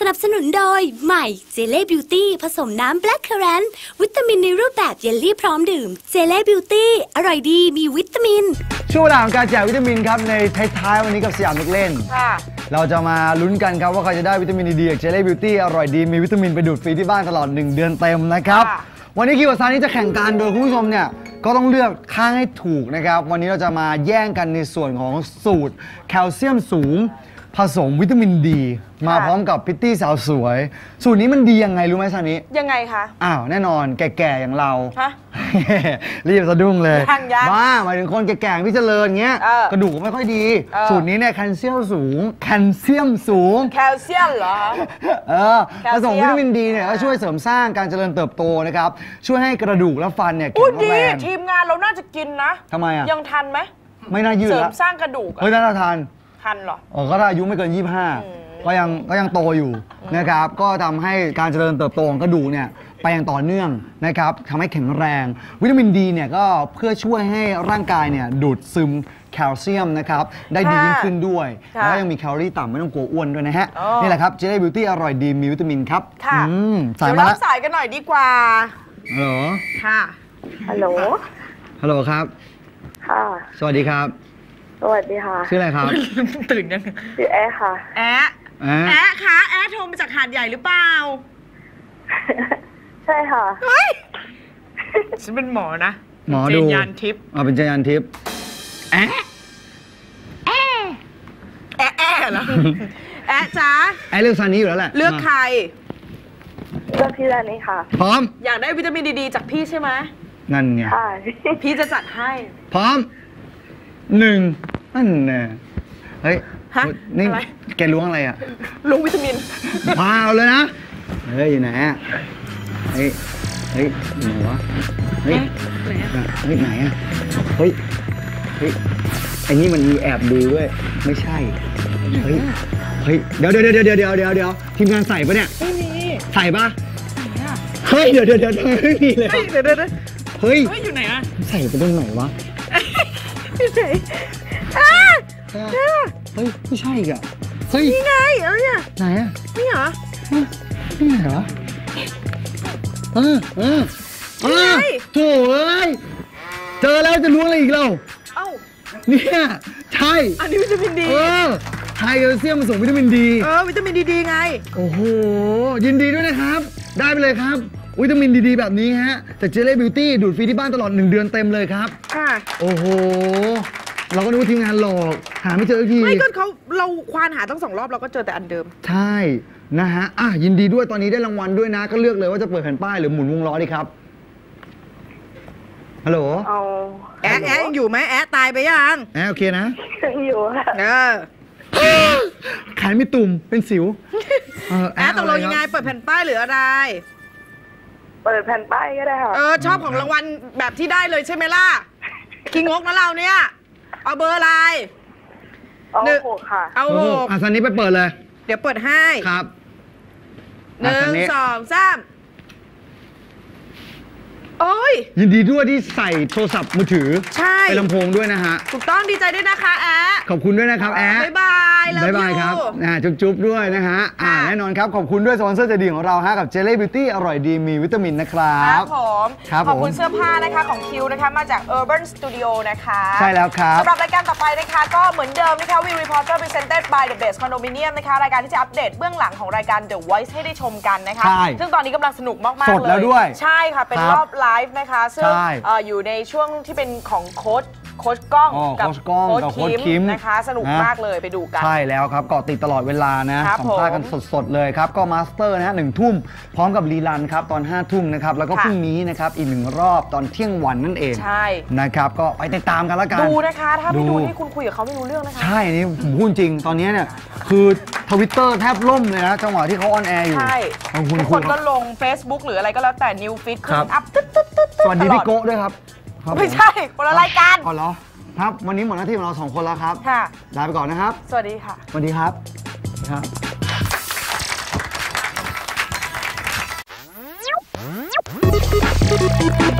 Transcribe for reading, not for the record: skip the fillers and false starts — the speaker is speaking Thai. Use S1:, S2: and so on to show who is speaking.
S1: นับสนุนโดยใหม่เจเล่บิวตี้ผสมน้ำแบล็คเคอร์แรนต์วิตามินในรูปแบบเยลลี่พร้อมดื่มเจเล่บิวตี้อร่อยดีมีวิตามิน
S2: ช่วงเวลาของการแจกวิตามินครับในท้ายๆวันนี้กับสยามเด็กเล่นเราจะมาลุ้นกันครับว่าใครจะได้วิตามินดีจากเจเล่บิวตี้อร่อยดีมีวิตามินไปดูดฟรีที่บ้านตลอด1 เดือนเต็มนะครับวันนี้คิวกับซานี่จะแข่งกันโดยคุณผู้ชมเนี่ยก็ต้องเลือกข้างให้ถูกนะครับวันนี้เราจะมาแย่งกันในส่วนของสูตรแคลเซียมสูงผสมวิตามินดีมาพร้อมกับพิตตี้สาวสวยสูตรนี้มันดียังไงรู้ไหมซานิ
S3: ยังไงคะ
S2: อ้าวแน่นอนแก่ๆอย่างเรารีบสะดุ้งเลยว่าหมายถึงคนแก่ๆที่เจริญเงี้ยกระดูกไม่ค่อยดีสูตรนี้เนี่ยแคลเซียมสูงแคลเซียมเหรอผสมวิตามินดีเนี่ยก็ช่วยเสริมสร้างการเจริญเติบโตนะครับช่วยให้กระดูกและฟันเนี่ยแข็งแรง
S3: ทีมงานเราน่าจะกินนะ
S2: ทำไมอ่ะ
S3: ยังทันไหม
S2: ไม่น่ายืด
S3: เสริมสร้างกระดูก
S2: น่าทัน
S3: เหรอ
S2: ก็ถ้าอายุไม่เกิน25ก็ยังโตอยู่นะครับก็ทำให้การเจริญเติบโตของกระดูกเนี่ยไปอย่างต่อเนื่องนะครับทำให้แข็งแรงวิตามินดีเนี่ยก็เพื่อช่วยให้ร่างกายเนี่ยดูดซึมแคลเซียมนะครับได้ดียิ่งขึ้นด้วยแล้วก็ยังมีแคลอรี่ต่ำไม่ต้องกลัวอ้วนด้วยนะฮะนี่แหละครับเจเล่บิวตี้อร่อยดีมีวิตามินครับ
S3: สายมาแล้วสายกันหน่อยดีกว่า
S2: ฮัลโหล
S3: ค่ะ
S4: ฮัลโหล
S2: ครับ
S4: ค่ะ
S2: สวัสดีครับ
S4: สวัสดีค่ะ
S2: ชื่ออะไรครับ
S3: ตื่นยัง
S4: ชื่อแอ๊ค่ะ
S3: แอ๊คะแอ๊โทรมาจากหาดใหญ่หรือเปล่า
S4: ใช่ค่ะ
S3: ฉันเป็นหมอนะ
S2: หมอดู
S3: เจนยานทิพย์
S2: เป็นเจนยานทิพย์แอ๊
S3: เหรอแอ๊จ้า
S2: แอ๊เลือกซานี้อยู่แล้วแหละ
S3: เลือกใคร
S4: เลือกพี่ซานี้ค่ะ
S2: พร้อม
S3: อยากได้วิตามินดีจากพี่ใช่ไหม
S2: นั่นไง
S3: พี่จะจัดให้
S2: พร้อม1นั่นแน่เฮ้ยนี่แกล้วงอะไรอ่ะ
S3: ล้วงวิตามิน
S2: พาวเลยนะเฮ้ยอยู่ไหนอ่ะเฮ้ยไหนวะเฮ้ยไหนอ่ะเฮ้ยไอ้นี่มันมีแอบดูด้วยไม่ใช่เฮ้ยเดี๋ยวทีมงานใส่ปะเนี่ย
S3: ไม่มี
S2: ใส่ปะเฮ้ยเดี๋ยวไม่มีเลยเฮ้ย
S3: อยู่ไหนอ่ะ
S2: ใส่ไปตรงไหนวะ
S3: ไม่ใช่
S2: เฮ้ยไม่ใช่อีกอ่ะเฮ้ย
S3: นี่ไงเนี่ย
S2: ไหนอ่ะ
S3: นี่เหรอ
S2: นี่เหรอโถ่เอ้ยเจอแล้วจะล้วงอะไรอีกเราเนี่ยใช่
S3: อันนี้วิตามินดี
S2: ไฮแคลเซียมผสมวิตามินดี
S3: วิตามินดีไง
S2: โอ้โหยินดีด้วยนะครับได้ไปเลยครับวิตามินดีแบบนี้ฮะจากเจเล่บิวตี้ดูดฟรีที่บ้านตลอด1 เดือนเต็มเลยครับโอ้โหเราก็นึกว่าทีมงานหลอกหาไม่เจอที
S3: ไม่ก็เราควานหาตั้ง2 รอบเราก็เจอแต่อันเดิม
S2: ใช่นะฮะยินดีด้วยตอนนี้ได้รางวัลด้วยนะก็เลือกเลยว่าจะเปิดแผ่นป้ายหรือหมุนวงล้อดีครับฮัลโหล
S3: แอ๊ยังอยู่ไหมแอ๊ตายไปยัง
S2: โอเคนะ
S4: อยู่ค่ะ
S2: ขายไม่ตุ่มเป็นสิว
S3: แอ๊ตกลงยังไงเปิดแผ่นป้ายหรืออะไร
S4: เปิดแผ่นป้ายก็ได้ค่ะ
S3: ชอบของรางวัลแบบที่ได้เลยใช่ไหมล่ะคิงงกนะเราเนี่ยเอาเบอร์อะไร
S4: เอา6ค่ะ
S3: เอา6
S2: ซันนี้ไปเปิดเลย
S3: เดี๋ยวเปิดให้
S2: ครับ
S3: 1 2 3โอ้ย
S2: ยินดีด้วยที่ใส่โทรศัพท์มือถือไปลำโพงด้วยนะฮะ
S3: ถูกต้องดีใจด้วยนะคะแอ๊
S2: ขอบคุณด้วยนะครับแอ๊
S3: บ๊ายบาย
S2: ครับจุ๊บด้วยนะฮะแน่นอนครับขอบคุณด้วยสปอนเซอร์ใจดีของเราฮะกับเจเล่บิวตี้อร่อยดีมีวิตามินนะครับ
S3: ผมขอบคุณเสื้อผ้านะคะของคิวนะคะมาจาก Urban Studio นะคะ
S2: ใช่แล้วครับ
S3: สำหรับรายการต่อไปนะคะก็เหมือนเดิมนะคะ We Reporter Presented by The Best Condominium นะคะรายการที่จะอัปเดตเบื้องหลังของรายการ The Voice ให้ได้ชมกันนะคะซึ่งตอนนี้กำลังสนุกมากๆเลย
S2: สดแล้วด้วย
S3: ใช่ค่ะเป็นรอบไลฟ์นะคะซึ่งอยู่ในช่วงที่เป็นของโค้ชกล้องกับโค้ชคิมนะคะสนุกมากเลยไปดูกัน
S2: ใช่แล้วครับเกาะติดตลอดเวลานะสัมภาษณ์กันสดๆเลยครับก็มาสเตอร์นะฮะ1 ทุ่มพร้อมกับรีลันครับตอน5 ทุ่มนะครับแล้วก็พรุ่งนี้นะครับอีก1 รอบตอนเที่ยงวันนั่นเอง
S3: ใช่
S2: นะครับก็ไปติดตามกันแล้วกัน
S3: ดูนะคะถ้าไม่ดูนี่คุณคุยกับเขาไม่รู้เรื่องนะคะ
S2: ใช่นี่ผมพูดจริงตอนนี้เนี่ยคือ Twitter แทบล่มเลยนะจังหวะที่เขาออนแอร์อยู่
S3: ใช่ทุกคนก็ลง Facebook หรืออะไรก็แล้วแต่ New Feed ขึ้นอัพ
S2: สวัสดีพี่โก้ด้วยครับ
S3: ไม่ใช่คนละรายการ
S2: อ๋อเหรอครับวันนี้หมดหน้าที่ของเรา2 คนแล้วครับลาไปก่อนนะครับ
S3: สวัสดีค่ะ
S2: สวัสดีครับ